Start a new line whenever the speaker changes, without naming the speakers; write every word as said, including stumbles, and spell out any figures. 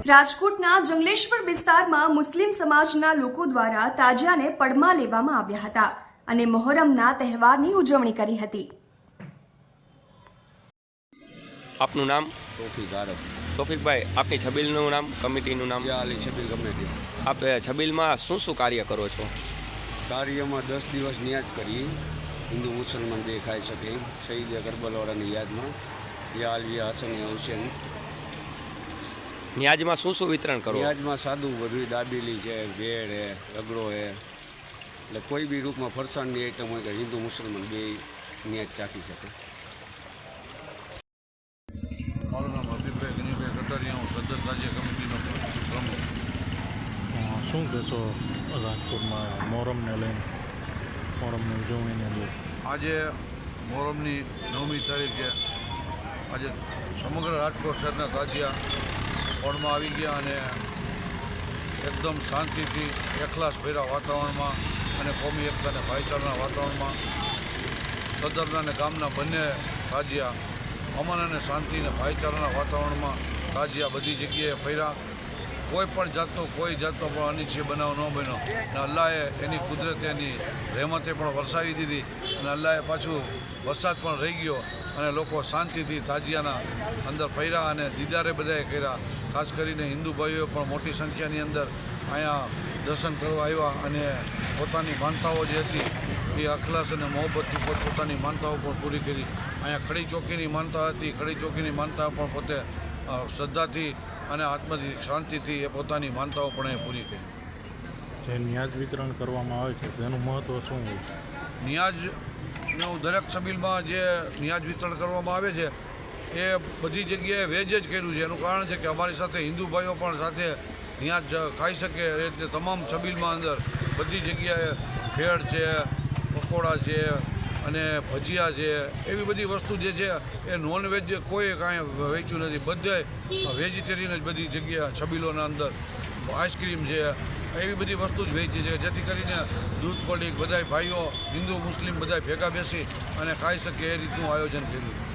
રાજકોટના જંગલેશ્વર વિસ્તારમાં મુસ્લિમ સમાજના લોકો દ્વારા તાજિયાને પડમાં લેવામાં આવ્યા હતા અને મોહરમના તહેવારની ઉજવણી કરી હતી।
આપનું નામ?
તોફીક આરબ।
તોફીકભાઈ, આપની છબીલનું નામ, કમિટીનું નામ?
યા અલી છબીલ કમિટી।
આપ છબીલમાં શું શું કાર્ય કરો છો?
કાર્યમાં દસ દિવસ નિયાજ કરી હિન્દુ મુસલમાન બે ખાઈ શકે શહીદ કરબલાવાળાની યાદમાં યા અલી હસન હુસેન।
નિયાજમાં શું શું વિતરણ કરો?
નિયાજમાં સાદું બધું દાબેલી છે, ભેળ છે, રગડો છે, એટલે કોઈ બી રૂપમાં ફરસાણની આઈટમ હોય કે હિન્દુ મુસલમાન બે નિયાજ ચાખી શકે।
મારું નામ હબીબભાઈ ગનીભાઈ કટારિયા, હું સદર રાજ્ય કમિટીનો પ્રમુખ।
શું કહેશો રાજકોટમાં મોહરમને લઈને, મોહરમની ઉજવણીને લઈને?
આજે મોહરમની નવમી તારીખે આજે સમગ્ર રાજકોટ શહેરના તાજિયા ફળમાં આવી ગયા અને એકદમ શાંતિથી એકલાસભર્યા વાતાવરણમાં અને કોમી એકતા અને ભાઈચારાના વાતાવરણમાં સદરના અને ગામના બંને તાજિયા અમન અને શાંતિ અને ભાઈચારાના વાતાવરણમાં તાજિયા બધી જગ્યાએ ફર્યા। કોઈ પણ જાતનો કોઈ જાતનો પણ અનિચ્છનીય બનાવ ન બન્યો અને અલ્લાહે એની કુદરતે એની રહેમતે પણ વરસાવી દીધી અને અલ્લાહે પાછું વરસાદ પણ રહી ગયો અને લોકો શાંતિથી તાજિયાના અંદર ફર્યા અને દીદારે બધાએ કર્યા। ખાસ કરીને હિન્દુ ભાઈઓ પણ મોટી સંખ્યાની અંદર અહીંયા દર્શન કરવા આવ્યા અને પોતાની માનતાઓ જે હતી એ અખલાસ અને મોહબ્બતથી પોતપોતાની માનતાઓ પણ પૂરી કરી। અહીંયા ખડી ચોકીની માનતા હતી, ખડી ચોકીની માનતા પણ પોતે શ્રદ્ધાથી અને આત્માથી શાંતિથી એ પોતાની માનતાઓ પણ એ પૂરી કરી।
જે નિયાજ વિતરણ કરવામાં આવે છે તેનું મહત્ત્વ શું હોય છે?
નિયાજનું દરેક છબીલમાં જે નિયાજ વિતરણ કરવામાં આવે છે એ બધી જગ્યાએ વેજ જ કર્યું છે। એનું કારણ છે કે અમારી સાથે હિન્દુ ભાઈઓ પણ સાથે નિયાજ ખાઈ શકે એ રીતે તમામ છબીલમાં અંદર બધી જગ્યાએ ભેળ છે, પકોડા છે અને ભજીયા છે, એવી બધી વસ્તુ જે છે એ નોનવેજ કોઈ કાંઈ વેચ્યું નથી, બધે વેજીટેરિયન જ બધી જગ્યા છબીલોના અંદર આઈસ્ક્રીમ છે, એવી બધી વસ્તુ જ વેચી છે જેથી કરીને દૂધ પડીક બધાય ભાઈઓ હિન્દુ મુસ્લિમ બધાય ભેગા બેસી અને ખાઈ શકે એ રીતનું આયોજન કર્યું।